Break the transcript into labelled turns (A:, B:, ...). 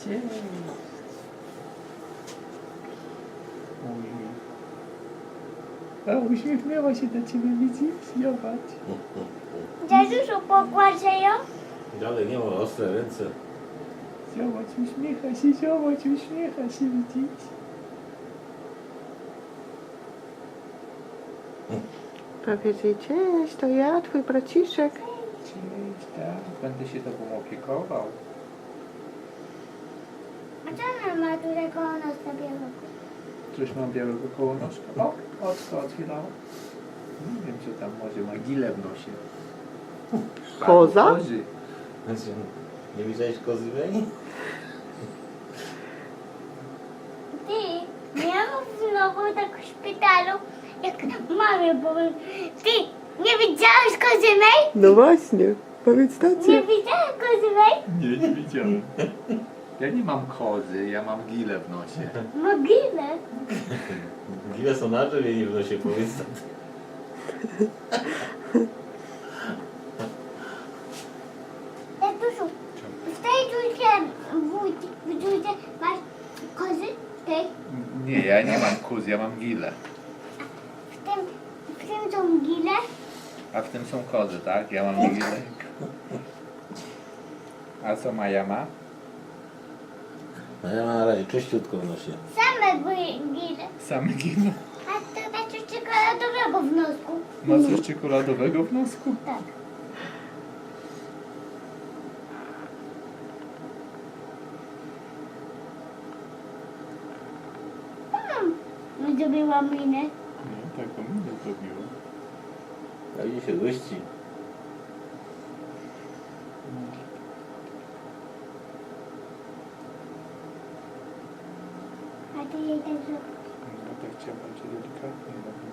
A: Cześć. Ojej. A uśmiechnęła się do ciebie, widzisz? Zobacz.
B: Dziadusiu, pogłaszę ją?
C: Dalej nie ma ostre ręce.
A: Zobacz, uśmiecha się, widzisz?
D: Powiedz jej cześć, to ja, twój braciszek.
A: Cześć, tak. Będę się tobą opiekował.
B: A co ona ma tutaj koło nas na białego?
A: Coś mam białego koło nóżka. O, oczko otwierało. Nie wiem, co tam może ma gilę w nosie.
D: Koza?
A: Kozy.
C: Znaczy, nie widziałeś kozy Wej?
B: Ty, miałam znowu tak w szpitalu, jak mamie powiem. Ty, nie widziałeś kozy mej?
D: No właśnie, powiedz
B: Nie
D: tacie.
B: widziałeś kozy mej?
A: Nie widziałem. Ja nie mam kozy, ja mam gilę w nosie.
B: Mogilę.
C: Gile są na drzewie, nie w nosie, powiedz tak.
B: Tatusiu, w tej trójce, w trójce masz kozy? W tej?
A: Nie, ja nie mam kóz, ja mam gilę.
B: W tym są gile?
A: A w tym są kozy, tak? Ja mam gilę. A co Maja ma?
C: No ja mam na razie czyściutko w nosie.
B: Same były gile.
A: Same gile.
B: A to znaczy czekoladowego w nosku.
A: Ma coś czekoladowego w nosku?
B: Tak. No zrobiła minę.
A: No, taką minę zrobiła.
C: A idzie się gości.
B: A ty jej tak zrobił.
A: No tak chciałem bardziej delikatnie robić.